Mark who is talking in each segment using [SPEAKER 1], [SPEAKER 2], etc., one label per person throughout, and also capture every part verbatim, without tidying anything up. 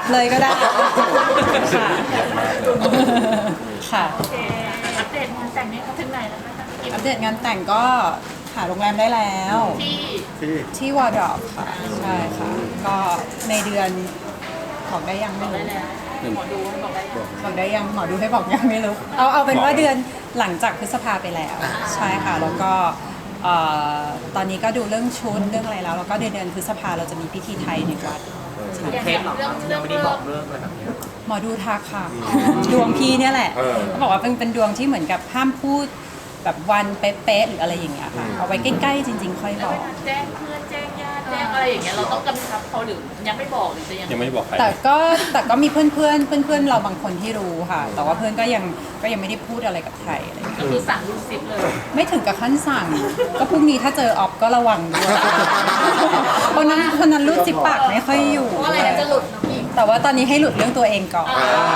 [SPEAKER 1] บเลยก็ได้ค่ะค่ะ
[SPEAKER 2] โอเคอัปเดตงานแต่งนี้เขาถึงไหนแล้วนะคะกี่
[SPEAKER 1] อัปเดตงานแต่งก็หาโรงแรมได้แล้ว
[SPEAKER 2] ที่
[SPEAKER 3] ที่
[SPEAKER 1] ที่วอร์ดรอปค่ะใช่ค่ะ ก็ในเดือนบอกได้ยังไม่
[SPEAKER 2] ได้
[SPEAKER 1] รู้
[SPEAKER 2] แล้วหมอดูให้บอกได้ยัง
[SPEAKER 1] บอกได้ยังหมอดูให้บอกยังไม่รู้เอาเอาเป็นว่าเดือนหลังจากพฤษภาไปแล้วใช่ค่ะแล้วก็เอ่อตอนนี้ก็ดูเรื่องชุดเรื่องอะไรแล้วแล้วก็เดือนเดือนพฤษภาเราจะมีพิธีไทยในวัดใช่
[SPEAKER 2] อย่างอย่างเรื่องเรื่อง
[SPEAKER 4] ไม่
[SPEAKER 2] เรื่
[SPEAKER 4] ได้
[SPEAKER 2] อง
[SPEAKER 4] บอกเรื่องอะไรแบบนี้
[SPEAKER 1] หมอดูทักค่ะดวงพี่เนี่ยแหละเขาบอกว่าเป็นเป็นดวงที่เหมือนกับห้ามพูดแบบวันเป๊ะๆหรืออะไรอย่างเงี้ยค่ะเอาไว้ใกล้ๆจริง ๆ ค่อย
[SPEAKER 2] แล้ว
[SPEAKER 1] บอ
[SPEAKER 2] เว
[SPEAKER 1] ก
[SPEAKER 2] ลาแจ้งเพื่อนแจ้งญาติแจ้งอะไรอย่างเงี้ยเราต้องกำชับเขาหรือยังไม่บอกหรือจะยัง
[SPEAKER 5] ยังไม่ได้บอกใคร
[SPEAKER 1] แต่ก็แต่ก็มีเพื่อนเพื่อนเพื่อนเพื่อนๆเราบางคนที่รู้ค่ะ แต่ว่าเพื่อนก็ยังก็ยังไม่ได้พูดอะไรกับใครอะไรอย่างเงี้ย
[SPEAKER 2] ก็คือสั่งลูกศิษย์เลย
[SPEAKER 1] ไม่ถึงกับขั้นสั่ง ก็พรุ่งนี้ถ้าเจอออฟก็ระวังด้วยคนนั้นคนนั้นรูดจิบปากไม่ค่อยอยู่
[SPEAKER 2] เพราะอะไรนะจะหลุดน้องอีก
[SPEAKER 1] แต่ว่าตอนนี้ให้หลุดเรื่องตัวเองก่อน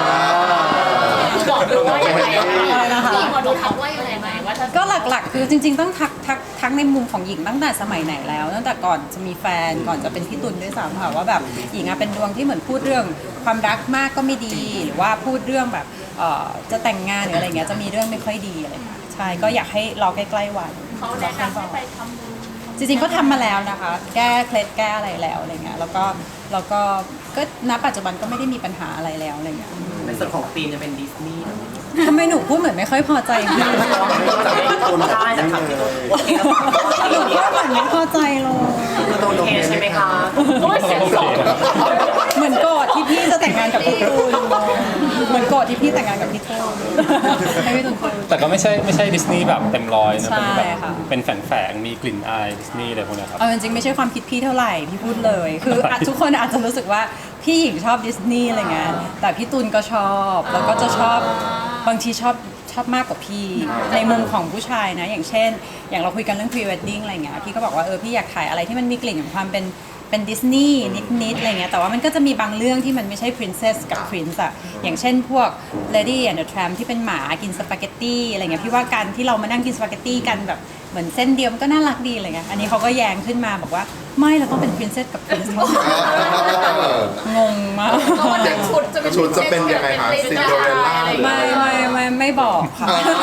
[SPEAKER 2] บอกดูว่ายังไง
[SPEAKER 1] อะไรนะคะ
[SPEAKER 2] พี่หมอดูทักว่ายังไงไหมว่าถ้า
[SPEAKER 1] ก็หลักๆ คือจริงๆต้องทักทักทักในมุมของหญิงตั้งแต่สมัยไหนแล้ว ตั้งแต่ก่อนจะมีแฟนก่อนจะเป็นพี่ตุลด้วยซ้ำค่ะว่าแบบหญิงอะเป็นดวงที่เหมือนพูดเรื่องความรักมากก็ไม่ดี หรือว่าพูดเรื่องแบบเอ่อจะแต่งงานหรืออะไรเงี้ยจะมีเรื่องไม่ค่อยดีอะไรเงี้ยใช่ก็อยากให้รอใกล้ๆวัน
[SPEAKER 2] เขาแนะนำให้ไปทำบุญ
[SPEAKER 1] จริงๆก็ทำมาแล้วนะคะ แก้เคล็ดแก้อะไรแล้วอะไรเงี้ยแล้วก็แล้วก็ก็ณปัจจุบันก็ไม่ได้มีปัญหาอะไรแล้วอะไรเงี้ย
[SPEAKER 4] ในส่วนของธีมจะเป็นดิสนีย์
[SPEAKER 1] ทำไมหนูพูดเหมือนไม่ค่อยพอใจพี่
[SPEAKER 4] จะไม่ตูนได้จะขับที่ตูนโอเคแล้ว
[SPEAKER 1] หนูพูดเหมือนไม่พอใจเลย
[SPEAKER 4] คือตูนโอเคใช่ไหมคะ
[SPEAKER 2] โอ้ยเสียงสอง
[SPEAKER 1] เหมือนโกรธที่พี่จะแต่งงานกับพี่ตูนเหมือนโกรธที่พี่แต่งงานกับพี่ตูนให้พี่ตูนพูด
[SPEAKER 5] แต่ก็ไม่ใช่ไม่ใช่ดิสนีย์แบบเต็มร้อยนะ
[SPEAKER 1] ใช่
[SPEAKER 5] เป็นแบบ
[SPEAKER 1] ค่ะ
[SPEAKER 5] เป็นแฝงๆมีกลิ่นอายดิสนีย์อะไรพวกเนี้ยครับ
[SPEAKER 1] เอาจริงๆไม่ใช่ความคิดพี่เท่าไหร่พี่พูดเลย คืออาจทุกคนอาจจะรู้สึกว่าพี่หญิงชอบดิสนีย์อะไรเงี้ยแต่พี่ตุลก็ชอบแล้วก็จะชอบบางทีชอบชอบมากกว่าพี่ในมุมของผู้ชายนะ อย่างเช่น อย่างเราคุยกันเรื่อง pre wedding อะไรเงี้ยพี่ก็บอกว่าเออพี่อยากถ่ายอะไรที่มันมีกลิ่นของความเป็นเป็นดิสนีย์นิดๆอะไรเงี้ยแต่ว่ามันก็จะมีบางเรื่องที่มันไม่ใช่ princess กับ prince อะอย่างเช่นพวก lady and the tramp ที่เป็นหมากินสปาเกตตี้อะไรเงี้ยพี่ว่าการที่เรามานั่งกินสปาเกตตี้กันแบบเหมือนเส้นเดียวมันก็น่ารักดีอะไรเงี้ยอันนี้เขาก็แย้งขึ้นมาบอกว่าไม่เราต้องเป็น princess กับ prince เท่านั้นงงมาก
[SPEAKER 2] ชุดจะเป็น
[SPEAKER 3] ชุดจะเป็นยังไงคะซินโดเรลล่าหรือ
[SPEAKER 1] ไม่ไม่ไม่ไม่บอกค่ะ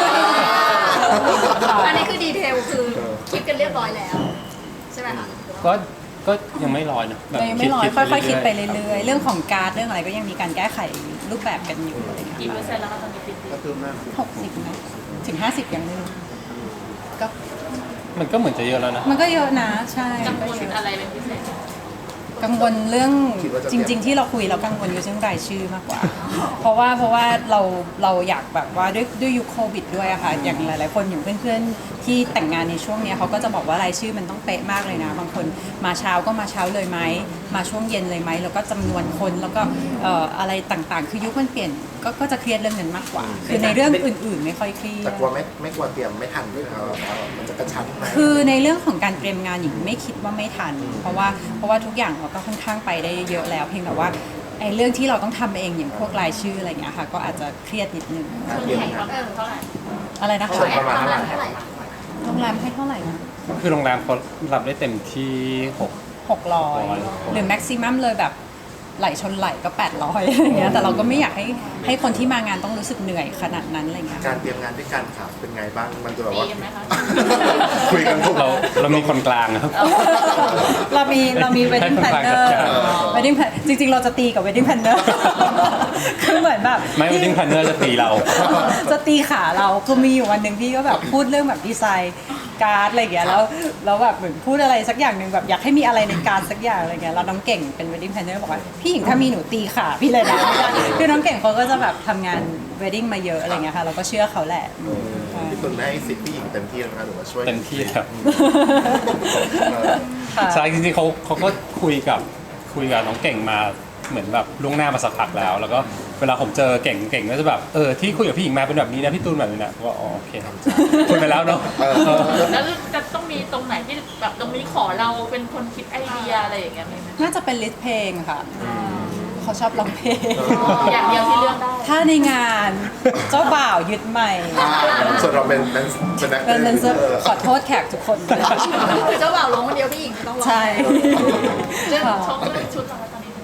[SPEAKER 6] อันนี้คือดีเทลคือคิดกันเรียบร้อยแล้ว ใช่ไหมคะ
[SPEAKER 5] ก็ก็ยังไม่ร้อยนะแบบ
[SPEAKER 1] ยังไม่ร้อยค่อยๆคิดไป
[SPEAKER 5] เรื่อย
[SPEAKER 1] เรื่อยๆ เรื่องของการ์ดเรื่องอะไรก็ยังมีการแก้ไขรูปแบบกันอยู่อะไรเงี้ย
[SPEAKER 2] กี่เปอร์เซ็นต์แล้วคะตอนนี้ติด
[SPEAKER 3] ก็คือมาก
[SPEAKER 1] หกสิบไหมถึงห้าสิบยังไม่รู้ก็
[SPEAKER 5] ๆมันก็เหมือนจะเยอะแล้วนะ
[SPEAKER 1] มันก็เยอะนะใช่
[SPEAKER 2] กังวลอะไรเป็นพิเศษ
[SPEAKER 1] กังวลเรื่องจริง ๆ ที่เราคุยเรากังวลอยู่เรื่องรายชื่อมากกว่า เพราะว่าเพราะว่าเราเราอยากแบบว่าด้วยด้วยยุคโควิดด้วยอะค่ะอย่างหลายๆคนอย่างเพื่อนๆที่แต่งงานในช่วงเนี้ยเขาก็จะบอกว่ารายชื่อมันต้องเป๊ะมากเลยนะ บางคนมาเช้าก็มาเช้าเลยไหมมาช่วงเย็นเลยไหมแล้วก็จำนวนคนแล้วก็เอ่ออะไรต่างๆ คือยุคมันเปลี่ยนก็ก็จะเครียดเรื่องนั้นมากกว่า คือในเรื่องอื่นๆ ไม่ค่อยเครีย
[SPEAKER 3] แต่
[SPEAKER 1] ด
[SPEAKER 3] กลัวไม่ไม่กลัวเตรียมไม่ทันด้วยนะครับว่ามันจะกระชั้นไหม
[SPEAKER 1] คือในเรื่องของการเตรียมงานหญิงไม่คิดว่าไม่ทัน เพราะว่าเพราะว่าทุกอย่างเราก็ค่อนข้างไปได้เยอะแล้ว เพียงแต่ว่าไอ้เรื่องที่เราต้องทำเองอย่างพวกรายชื่ออะไรเงี้ยค่ะก็อาจจะเครียดนิดนึง
[SPEAKER 3] การ
[SPEAKER 2] ส่วน
[SPEAKER 3] เตรียม
[SPEAKER 2] แข่ง
[SPEAKER 3] งาน
[SPEAKER 2] ประมาณเท่าไหร่
[SPEAKER 1] อะไรนะ
[SPEAKER 3] ส่ว
[SPEAKER 1] คะ
[SPEAKER 3] นประมาณเท่าไหร่
[SPEAKER 6] เท่าไหร่
[SPEAKER 1] โรงแรมให้เท่าไหร่นะ
[SPEAKER 5] คือโรงแรมเขารับได้เต็มที่หก
[SPEAKER 1] หกร้อย
[SPEAKER 5] หกร้อย
[SPEAKER 1] หรือแม็กซิมัมเลยแบบไหลชนไหลก็แปดร้อยอะไรเงี้ยแต่เราก็ไม่อยากให้ให้คนที่มางานต้องรู้สึกเหนื่อยขนาดนั้นอะไรเงี้ย
[SPEAKER 3] การเตรียมงานด้วยกันค่ะเป็นไงบ้างมันจะแบบ
[SPEAKER 2] ดี
[SPEAKER 3] ว่า
[SPEAKER 2] ไหมคะ
[SPEAKER 3] คุยกันทุก
[SPEAKER 5] เราเรามีคนกลางนะครับ
[SPEAKER 1] เรามีเรามี wedding
[SPEAKER 5] ให้คนกลางจั
[SPEAKER 1] planner
[SPEAKER 5] ดการ
[SPEAKER 1] wedding plan จริงๆ เราจะตีกับ wedding planner คือเหมือนแบบ
[SPEAKER 5] ไม่ wedding planner จะตีเรา
[SPEAKER 1] จะตีขาเราคือมีอยู่วันหนึ่งพี่ก็แบบพูดเรื่องแบบดีไซน์การ์ดอะไรอย่างเงี้ยแล้วแล้วแบบเหมือนพูดอะไรสักอย่างหนึ่งแบบอยากให้มีอะไรในการ์ดสักอย่างอะไรเงี้ยแล้วน้องเก่งเป็น wedding planner บอกว่าพี่หญิงถ้ามีหนูตีขาพี่เลยนะคือน้องเก่งเขาก็จะแบบทำงาน wedding มาเยอะอะไรเงี้ยค่ะเราก็เชื่อเขาแหละ
[SPEAKER 3] พี่ตุลให้สิทธิ์พี่หญิงเต็มที่แล้วนะหรือว่าช่วย
[SPEAKER 5] เต็มที่ครับ
[SPEAKER 3] เออ
[SPEAKER 1] ค่ะ
[SPEAKER 5] ใช่จริงๆเขาเขาก็คุยกับคุยกับน้องเก่งมาเหมือนแบบล่วงหน้ามาสักพักแล้ว แล้วก็เวลาผมเจอเก่งเก่งก็จะแบบเออที่คุยกับพี่หญิงมาเป็นแบบนี้นะพี่ตูนแบบนี้นะก็อ๋อโอเคครับคุยไปแล้วเนาะ
[SPEAKER 2] แล้วจะต้องมีตรงไหนที่แบบตรงนี้ขอเราเป็นคนคิดไอเดียอะไรอย่างเงี้ยมีไหม
[SPEAKER 1] น่าจะเป็นลิสต์เพลงค่ะเขาชอบร้องเพลง
[SPEAKER 2] อย่างเดียวที่เลือกได้
[SPEAKER 1] ถ้าในงานเจ้าบ่าวยึดใหม่
[SPEAKER 3] อ่าส่วนเราเป็นเป็นเป็นนัก
[SPEAKER 1] เป็นเป็น
[SPEAKER 3] เออ
[SPEAKER 1] ขอโทษแขกทุกคน
[SPEAKER 6] คือเจ้าบ่าวร้องคนเดียวพี่หญิงไม่ต้องร้อง
[SPEAKER 1] ใช่
[SPEAKER 2] เรื่อง
[SPEAKER 1] ค่ะ
[SPEAKER 2] ชอบเรื่องชุดเหรอคะตอนนี้
[SPEAKER 1] ร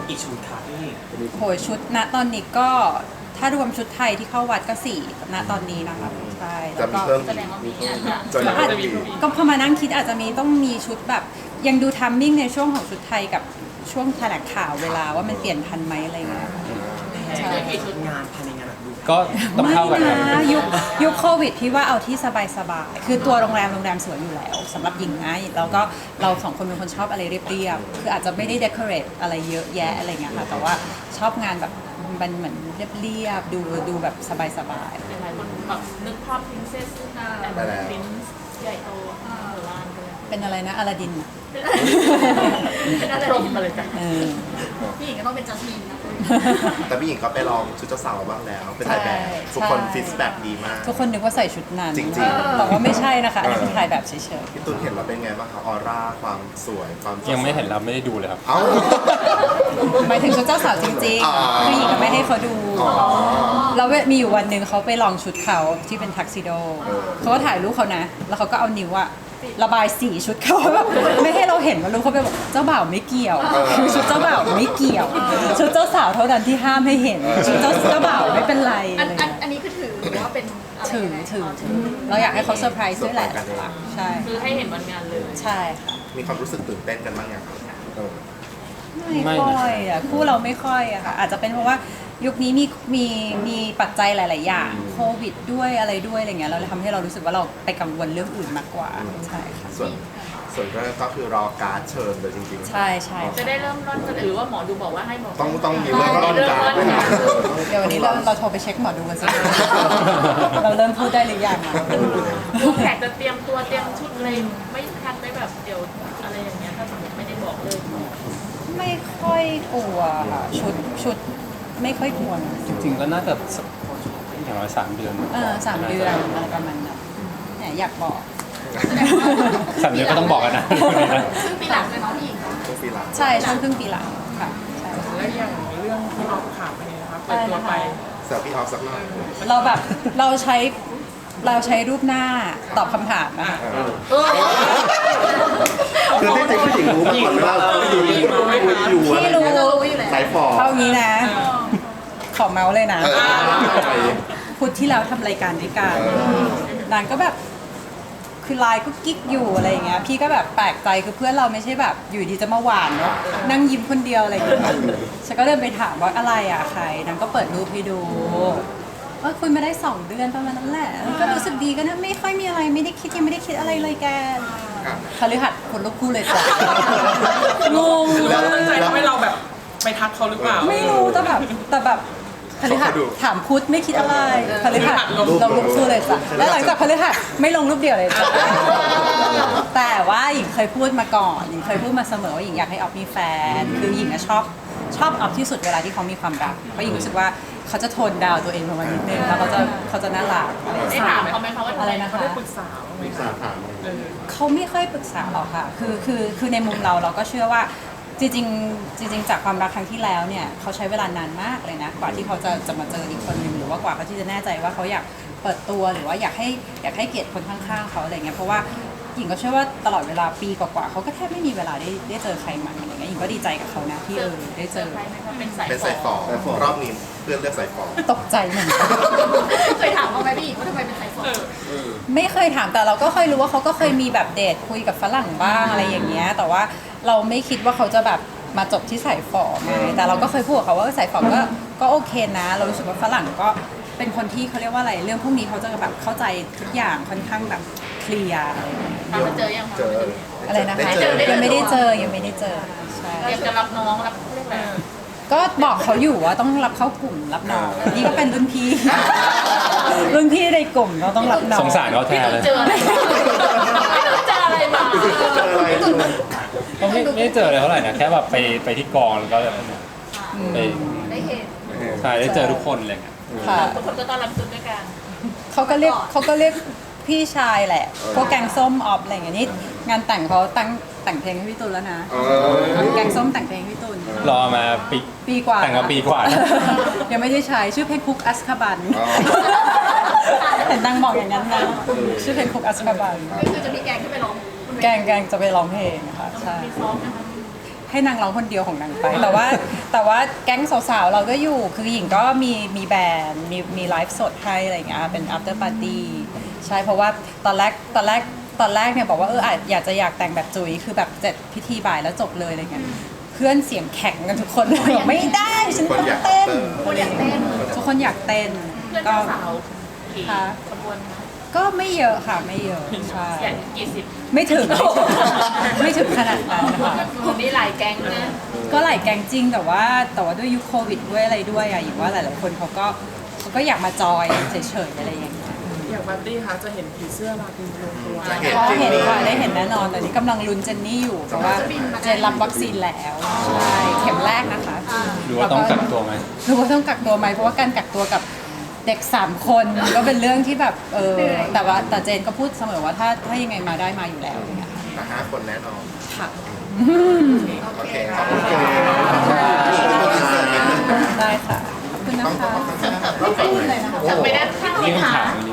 [SPEAKER 4] กี่ชุดคะพี่
[SPEAKER 1] โหยชุดณตอนนี้ก็ถ้ารวมชุดไทยที่เข้าวัดก็สี่ณตอนนี้นะคะใช่
[SPEAKER 3] จะ
[SPEAKER 1] แล้ว
[SPEAKER 3] มี
[SPEAKER 1] ก็
[SPEAKER 3] เพิ่ม
[SPEAKER 2] แสดงว่ามีอาจจะ
[SPEAKER 3] จะมี
[SPEAKER 1] อาจ
[SPEAKER 3] เพิ่มอีก
[SPEAKER 1] ก็พอมานั่งคิดอาจจะมีต้องมีชุดแบบยังดูทัมมิ่งในช่วงของชุดไทยกับช่วงแถลงข่าวเวลาว่ามันเปลี่ยนทันไหมอะไรเงี้ยใช่
[SPEAKER 2] กี่ชุด
[SPEAKER 4] งานภายในงานแบบดู
[SPEAKER 5] ก็ต้อง
[SPEAKER 1] ไม่
[SPEAKER 5] เข้ากันครับ
[SPEAKER 1] นะยุคยุคโควิดพี่ว่าเอาที่สบายๆคือตัวโรงแรมโรงแรมสวยอยู่แล้วสำหรับหญิงนะแล้วก็เราสองคนเป็นคนชอบอะไรเรียบๆคืออาจจะไม่ได้เดคอเรทอะไรเยอะแยะอะไรเงี้ยค่ะแต่ว่าชอบงานแบบมันเหมือนเรียบๆดูดูแบบสบาย
[SPEAKER 2] หลายคนแบบนึกภาพพินเซสแต่แบบพินใหญ่โตหรือว่า
[SPEAKER 1] ๆเป็นอะไรนะอลาดิน
[SPEAKER 2] เป็นอะไรรมมาเลยจ้ะ
[SPEAKER 1] เออ
[SPEAKER 6] พี่หญิงก็ต้องเป็นจัสมินนะ
[SPEAKER 3] แต่พี่หญิงก็ไปลองชุดเจ้าสาวบ้างแล้ว เป็นถ่ายแบบ
[SPEAKER 1] ใช่
[SPEAKER 3] ทุกคน
[SPEAKER 1] ใช่
[SPEAKER 3] ฟิตแบบดีมาก
[SPEAKER 1] ทุกคนนึกว่าใส่ชุดนั้น
[SPEAKER 3] จริงๆ
[SPEAKER 1] แต่ว่าไม่ใช่นะคะอันนี้เป็นถ่ายแบบเฉย
[SPEAKER 3] พี่ตุนเห็นแล้วเป็นไงบ้างคะออร่าความสวยความ
[SPEAKER 5] ยังไม่เห็นเราไม่ได้ดูเลยครับ
[SPEAKER 3] เอ้า
[SPEAKER 1] ๆหมายถึงชุดเจ้าสาวจริง
[SPEAKER 3] อ๋อ
[SPEAKER 1] ๆคือหญิงก็ไม่ให้เขาดู
[SPEAKER 3] อ๋อ
[SPEAKER 1] แล้วมีอยู่วันหนึ่งเขาไปลองชุดเขาที่เป็นทักซิโดเขาก็ถ่ายรูปเขานะ แล้วเขาก็เอานิ้วอะระบายสีชุดเขาแบบไม่ให้เราเห็นว่ารู้เขาไปบอกเจ้าบ่าวไม่เกี่ยวคือชุดเจ้าบ่าวไม่เกี่ยว ชุดเจ้าสาวเท่านั้นที่ห้ามให้เห็นชุดเจ้าเจ้าบ่าวไม่เป็นไร
[SPEAKER 6] อัน
[SPEAKER 1] อะไร
[SPEAKER 6] อัน
[SPEAKER 1] เงี้ย
[SPEAKER 6] อันนี้คือถือว่าเป็นอะไร
[SPEAKER 1] ถือ
[SPEAKER 6] ยังไง
[SPEAKER 1] ถือถือเราอยากให้เขาเซอร์ไพรส์ด้วยแหละใช่
[SPEAKER 2] คือให้เห็นวันงานเลย
[SPEAKER 1] ใช่ค่ะ
[SPEAKER 3] มีความรู้สึกตื่นเต้นกันบ้างยังเออ
[SPEAKER 1] ไม่ค่อยอ่ะคู่เราไม่ค่อยอะค่ะอาจจะเป็นเพราะว่ายุคนี้มีมีมีปัจจัยหลาย ๆ อย่างโควิดด้วยอะไรด้วยอะไรเงี้ยเราเลยทำให้เรารู้สึกว่าเราไปกังวลเรื่องอื่นมากกว่าใช่ค่ะ
[SPEAKER 3] ส่วนส่วนแรกก็คือรอการ์ดเชิญเลยจริงๆ
[SPEAKER 1] ใช่ใช่
[SPEAKER 2] จะได้เริ่มร่อนกันหรือว่าหมอดูบอกว่าให้หมอ
[SPEAKER 3] ต้องต้องมีเรื่องร่อนการ์ดด้วยนะ
[SPEAKER 1] เดี๋ยววันนี้เราเราโทรไปเช็คหมอดูกันสิ เราเริ่มพูดได้หรือยังอะ
[SPEAKER 2] ดูแขกจะเตรียมตัวเตรียมชุดอะไรไม่ทันไม่แบบเดี๋ยวอะไรอย่างเงี้ยถ้าสมมติไม่ได้บอกเลย
[SPEAKER 1] ไม่ค่อยกลัวค่ะชุดชุดไม่ค่อยกลัวนะ
[SPEAKER 5] จริงๆก็น่าจะสักอย่างน้อยสามเดือน
[SPEAKER 1] เออสามเดือนอะไรประมาณนั้นแหมอยากบอก
[SPEAKER 5] สามเดือนก็ต้องบอกกันนะ
[SPEAKER 6] ซึ่งปีหลังเลยเนาะพี่หญิง
[SPEAKER 3] ต้องปีหลัง
[SPEAKER 1] ใช่ช่วงครึ่งปีหลังค่ะใช่
[SPEAKER 7] แล้วอย่างเรื่องที่ออกข่าวไปเนี่ยนะครับเปิดตัวไป
[SPEAKER 3] เสิร์ฟพี่ออฟสักหน่อย
[SPEAKER 1] เราแบบเราใช้เราใช้รูปหน้าตอบคำถามนะคะ
[SPEAKER 3] คือที่จริงผู้หญิงรู้มาก่อนไหมว่าผู้หญิงคุยอยู่อะไร
[SPEAKER 1] พี่รู้
[SPEAKER 3] เงี้ย
[SPEAKER 6] รู้อยู่แล้ว
[SPEAKER 3] สายฝอ
[SPEAKER 1] เอางี้นะ ขอเมาส์เลยนะ
[SPEAKER 3] เออ
[SPEAKER 1] พุธที่แล้วทำรายการด้วยกัน
[SPEAKER 3] เออ
[SPEAKER 1] นางก็แบบคือไลน์ก็กิ๊กอยู่อะไรอย่างเงี้ยพี่ก็แบบแปลกใจคือเพื่อนเราไม่ใช่แบบอยู่ดีจะมาหวานเนาะนั่งยิ้มคนเดียวอะไรอย่างเงี้ยฉันก็เดินไปถามว่าอะไรอ่ะใครนางก็เปิดรูปให้ดูว่าคุยมาได้สองเดือนประมาณนั้นแหละก็รู้สึกดีก็นะไม่ค่อยมีอะไรไม่ได้คิดยังไม่ได้คิดอะไรเลยแกคฤหัสถ์คนลูกคู่เลยจ้ะงง
[SPEAKER 7] หรือ
[SPEAKER 1] มา
[SPEAKER 7] ว่าตั้งใจ
[SPEAKER 1] ก
[SPEAKER 7] ทำให้เราแบบไปทักเขาหรือเปล่า
[SPEAKER 1] ไม่รู้แต่แบบแต่แบบพฤหัสถามพุธไม่คิดอะไรพฤหัสลงรูปคู่เลยจ้ะแล้วหลังจากพฤหัสไม่ลงรูปเดียวเลยจ้ะแต่ว่าหญิงเคยพูดมาก่อนหญิงเคยพูดมาเสมอว่าหญิงอยากให้ออฟมีแฟนคือหญิงอะชอบชอบออฟที่สุดเวลาที่เขามีความรักเพราะหญิงรู้สึกว่าเขาจะโทนดาวตัวเองประมาณนิดนึงแล้วเขาจะเขาจะน่ารักอะไรอย่าง
[SPEAKER 2] ได้
[SPEAKER 1] เงี้ย
[SPEAKER 2] ถามเขาไหมคะว่า
[SPEAKER 1] อะไรนะคะ
[SPEAKER 7] ได้ปรึกษาบ้างไหม
[SPEAKER 3] ปรึกษาถาม
[SPEAKER 7] เออ
[SPEAKER 1] เขาไม่ค่อยปรึกษาหรอกค่ะ คือ คือ คือในมุมเราเราก็เชื่อว่าจริงๆจริง ๆ จากความรักครั้งที่แล้วเนี่ยเขาใช้เวลานานมากเลยนะ กว่าที่เขาจะจะมาเจออีกคนหนึ่งหรือว่ากว่าเขาที่จะแน่ใจว่าเขาอยากเปิดตัวหรือว่าอยากให้อยากให้เกียรติคนข้างๆเขาอะไรเงี้ย เพราะว่าหญิงก็เชื่อว่าตลอดเวลาปีกว่าๆเขาก็แทบไม่มีเวลาได้ได้เจอใครใหม่อะไรเงี้ยหญิงก็ดีใจกับเขานะที่เออได้เจอ
[SPEAKER 2] ใครไหมคะเป็นสาย
[SPEAKER 3] เป็นสายฝอรอบนี้เพื่อนเลือกสายฝอ
[SPEAKER 1] ตกใจเหมือนกัน
[SPEAKER 6] เคยถามเขาไหมพี่หญิงว่าทำไมเป็นสายฝอ
[SPEAKER 1] ไม่เคยถามแต่เราก็เคยรู้ว่าเขาก็เคยมีแบบเดทคุยกับฝรั่งบ้างอะไรอย่างเงี้ยแต่ว่าเราไม่คิดว่าเขาจะแบบมาจบที่สายฝอไงแต่เราก็เคยพูดกับเขาว่าสายฝอก็ก็โอเคนะ เรารู้สึกว่าฝรั่งก็เป็นคนที่เขาเรียกว่าอะไรเรื่องพวกนี้เขาจะแบบเข้าใจทุกอย่างค่อนข้างแบบเคลียร์อะไรอย่างเงี้ย
[SPEAKER 2] ตามมาเจอยังคะ
[SPEAKER 3] เจอ
[SPEAKER 1] อะไรนะคะ
[SPEAKER 3] ด้เจอ
[SPEAKER 1] ยังไม่ได้เจอยังไม่ได้เจอใช่
[SPEAKER 2] เตรียมจะรับน้องรับเรียกอะไร
[SPEAKER 1] ก็บอกเขาอยู่ว่าต้องรับเข้ากลุ่มรับน้องนี่ก็เป็นรุ่นพี่ รุ่นพี่ในกลุ่มเราต้องรับน้อง
[SPEAKER 5] สงสารเขาแท
[SPEAKER 2] พี่
[SPEAKER 5] น
[SPEAKER 2] ต้
[SPEAKER 5] เล
[SPEAKER 2] อง
[SPEAKER 5] ย
[SPEAKER 2] เจออะไรพี่ต้องเจออะไรมา
[SPEAKER 3] เจออะไร
[SPEAKER 5] ก็ไม่ไม่ได้เจออะไรเท่าไหร่นะแค่แบบไปไปที่กองแล้วก็แบบไป
[SPEAKER 6] ได้เห็น
[SPEAKER 5] ใช่ได้เจอทุกคนอะไรเงี้ย
[SPEAKER 1] ค่ะ
[SPEAKER 2] ทุกคนก็ต้อนรับจุดด้วยกัน
[SPEAKER 1] เขาก็เรียกเขาก็เรียกพี่ชายแหละพวกแกงส้มออฟอะไรอย่างเงี้ยนี่งานแต่งเขาตั้งแต่งเพลงให้พี่ตุลแล้วนะ
[SPEAKER 3] เออ
[SPEAKER 1] แกงส้มแต่งเพลงให้พี่ตุล
[SPEAKER 5] รอมาปี
[SPEAKER 1] ปีกว่า
[SPEAKER 5] แต่งมาปีกว่านะ
[SPEAKER 1] ยังไม่ได้ใช้ชื่อเพลงคุกอัสคาบัน
[SPEAKER 3] อ๋อ
[SPEAKER 1] เห็นนางบอกอย่างนั้นนะชื่อเพลงคุกอัสคาบัน
[SPEAKER 6] ก็คือจะมีแกงที่ไปร้องบนเวที
[SPEAKER 1] แกงแกงจะไปร้องเพลงนะคะใช่
[SPEAKER 2] มีซ้อมนะคะ
[SPEAKER 1] ให้นางร้องคนเดียวของนางไป แต่ว่าแต่ว่าแก๊งสาวๆเราก็อยู่คือหญิงก็มีมีแบรนด์มีมีไลฟ์สดให้อะไรอย่างเงี้ยเป็น after party ใช่เพราะว่าตอนแรกตอนแรกตอนแรกเนี่ยบอกว่าเอออาจอยากจะอยากแต่งแบบจุ๋ยคือแบบเสร็จพิธีบ่ายแล้วจบเลยอะไรเงี้ยเพื่อนเสียงแข็งกันทุกคนเลยบอกไม่ได้ฉันต้องเต้น
[SPEAKER 6] คนอยากเต้น
[SPEAKER 1] ทุกคนอยากเต้น
[SPEAKER 2] เพื่อน
[SPEAKER 1] ก็
[SPEAKER 2] เจ้าสาวกี่
[SPEAKER 1] ค่ะ
[SPEAKER 2] ขบวนคะ
[SPEAKER 1] ก็ไม่เยอะค่ะไม่เยอะใช่
[SPEAKER 2] อย่างกี่สิบ
[SPEAKER 1] ไม่ถึงไม่ถึงขนาดนั้นค่ะ
[SPEAKER 2] คนนี้หลายแก๊งนะ
[SPEAKER 1] ก็หลายแกงจริงแต่ว่าแต่ว่าด้วยยุคโควิดด้วยอะไรด้วยอะอยู่ว่าหลายๆคนเขาก็เขาก็อยากมาจอยเฉยๆอะไรอย่างเงี้ย
[SPEAKER 7] อย่างบัตตี้คะจะเห็นผีเสื้อลาตินลงตัว
[SPEAKER 3] จะเห็น
[SPEAKER 1] ก็
[SPEAKER 3] จริง
[SPEAKER 1] เห็น
[SPEAKER 3] เลย
[SPEAKER 1] ค่ะได้เห็นแน่นอนตอนนี้กำลังลุ้นเจนนี่อยู่เพราะว่าเจนรับวัคซีนแล้วใช่เข็มแรกนะคะ
[SPEAKER 5] หรือว่าต้องกักตัวไหม
[SPEAKER 1] หรือว่าต้องกักตัวไหมเพราะว่าการกักตัวกับเด็กสามคนก็เป็นเรื่องที่แบบเออแต่ว่าแต่เจนก็พูดเสมอว่าถ้าถ้ายังไงมาได้มาอยู่แล้วอย่างเงี้ย
[SPEAKER 3] แต่ห้าคนแน่นอน
[SPEAKER 1] ค่ะ
[SPEAKER 3] โอเคขอบคุณค่ะ
[SPEAKER 1] ได้ค่ะขอบคุณนะคะ
[SPEAKER 2] จำไม่ได้ที่
[SPEAKER 5] นี่
[SPEAKER 2] ถา
[SPEAKER 5] คำถาม ม